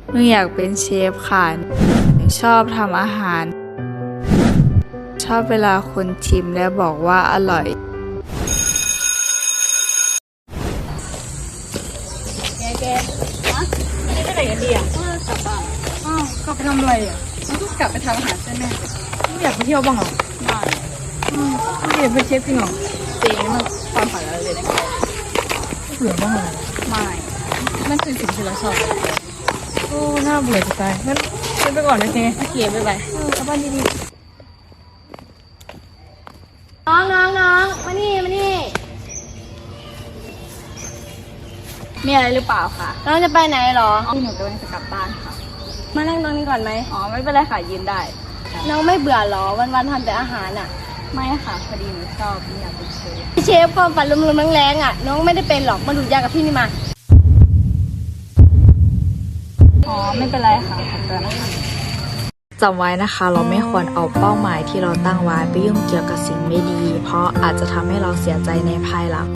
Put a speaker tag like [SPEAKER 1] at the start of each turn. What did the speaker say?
[SPEAKER 1] หนูอยากเป็นเชฟค่ะหนูชอบทำอาหารชอบเวลาคนชิมและบอกว่าอร่อย
[SPEAKER 2] แกฮะไม่ได้ไปไหนกันดีอ่ะกลับบ้านอ้าวกลับไปทำอะไรอ่ะมันก็กลับไปทำอาหารใช่ไหมไม่อยากไปเที่ยวบ้างเหรอไม่อยากเป็นเชฟจริงเหรอจริงมันความฝันเราเลยนะเบื่อบ้างเหรอไม่นั่นคือสิ่งที่เราชอบโอ้น่าเบื่อจะตายงั้นไปก่อนนะเจ๊โอเคบ๊ายบายกลับบ้านดีๆ
[SPEAKER 3] น้องมานี่
[SPEAKER 2] มีอะไรหรือเปล่าคะ
[SPEAKER 3] น้องจะไปไหนหรอ
[SPEAKER 2] ที่หนูกำลังจะกลับบ้านค่ะ
[SPEAKER 3] มานั่งตรงนี้ก่อนไหม
[SPEAKER 2] อ๋อไม่เป็นไรค่ะยืนได้
[SPEAKER 3] น้องไม่เบื่อหรอวันทำแต่อาหารอ่ะ
[SPEAKER 2] ไม่ค่ะพอดีหนูชอบไม่อยากเป็นเชฟ
[SPEAKER 3] เชฟความฝันลมๆแรงๆอ่ะน้องไม่ได้เป็นหรอกมาดูดยากับพี่นี่มา
[SPEAKER 2] อ๋อไม่เป็นไรค่ะขอบคุณนะคะ
[SPEAKER 1] จำไว้นะคะเราไม่ควรเอาเป้าหมายที่เราตั้งไว้ไปยุ่งเกี่ยวกับสิ่งไม่ดีเพราะอาจจะทำให้เราเสียใจในภายหลัง